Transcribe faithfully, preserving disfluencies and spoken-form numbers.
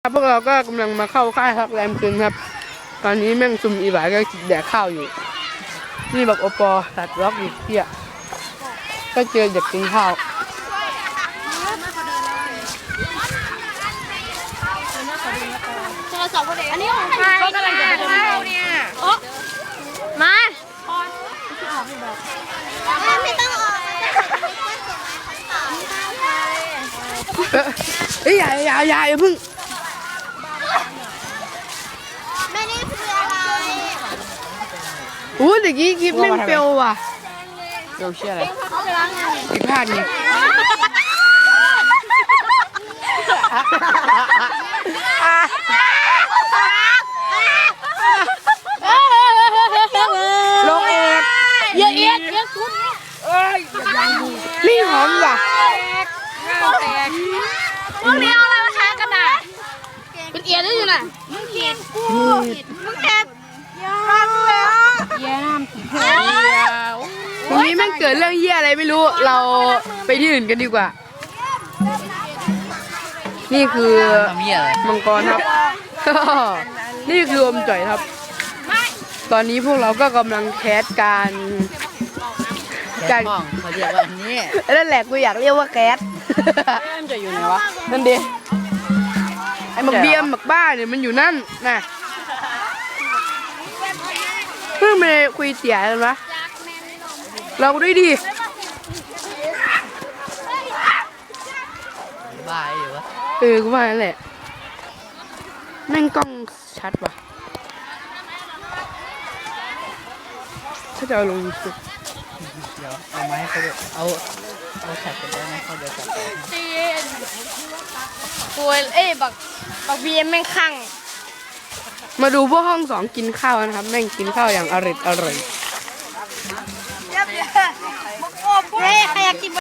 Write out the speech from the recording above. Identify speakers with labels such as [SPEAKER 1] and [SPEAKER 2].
[SPEAKER 1] พวกเราก็กำลังมาเข้าค่ายครับแรมคืนครับตอนนี้แม่งซุ่มอีบ่ายก็แดกข้าวอยู่นี่บอกโอปอตัดล็อกอีกเที่ยก็เจอเด็กกินข้าว
[SPEAKER 2] อันนี้ของใครก็กำลังจะไปดูเนี่ยโอ้มาไม่ต้องออก
[SPEAKER 1] เฮ้ยอย่าอย่าอย่าอย่าพึ่ง
[SPEAKER 2] ไม่ได้คืออะไร
[SPEAKER 1] โอ้เด็กกี้คลิปแม่งเฟลว่ะเฟลเชี่ยอะไรผิดพลาดไงลงเอ็ด
[SPEAKER 2] เยอะเอ็ดเยอะสุด
[SPEAKER 1] นี่หอมว่ะ
[SPEAKER 2] พวกนี้เอาอะไรมาทานกันน่ะเป็นเอียดได้ยังไงมึงเอียดกูมึงเอ็ดทานเลยอ่ะเยี่ยมผีเหี้ย
[SPEAKER 1] วันนี้แม่งเกิดเรื่องเหี้ยอะไรไม่รู้เราไปที่อื่นกันดีกว่านี่คือมังกรครับนี่คืออมจ่อยครับตอนนี้พวกเราก็กำลังแคสการ
[SPEAKER 3] การเขาเรียกว่าอันนี้
[SPEAKER 1] นั่นแหละกูอยากเรียกว่าแคสมันจะอยู่ไหนวะนั่นดิไอ้หมักเบียมหมักบ้าเนี่ยมันอยู่นั่นน่ะเพิ่งไปคุยเสียกันวะเราด้วยดิ
[SPEAKER 3] บ้าอยู่วะ
[SPEAKER 1] เออกูว่านั่นแหละแม่งกล้องชัดว่ะถ้าจะเอาลงยูทูบ
[SPEAKER 3] เดี๋ยวเอาไม้เขาดูเอาเอาแฉกไปได้ไหมเขาเดี๋ยวจับ
[SPEAKER 2] จีนป่วยเอ้บักบักเบียมแม่งขัง
[SPEAKER 1] มาดูพวกห้องสองกินข้าวนะครับแม่งกินข้าวอย่างอร่อยอร่อย
[SPEAKER 2] เฮ้ยใครอยากกิน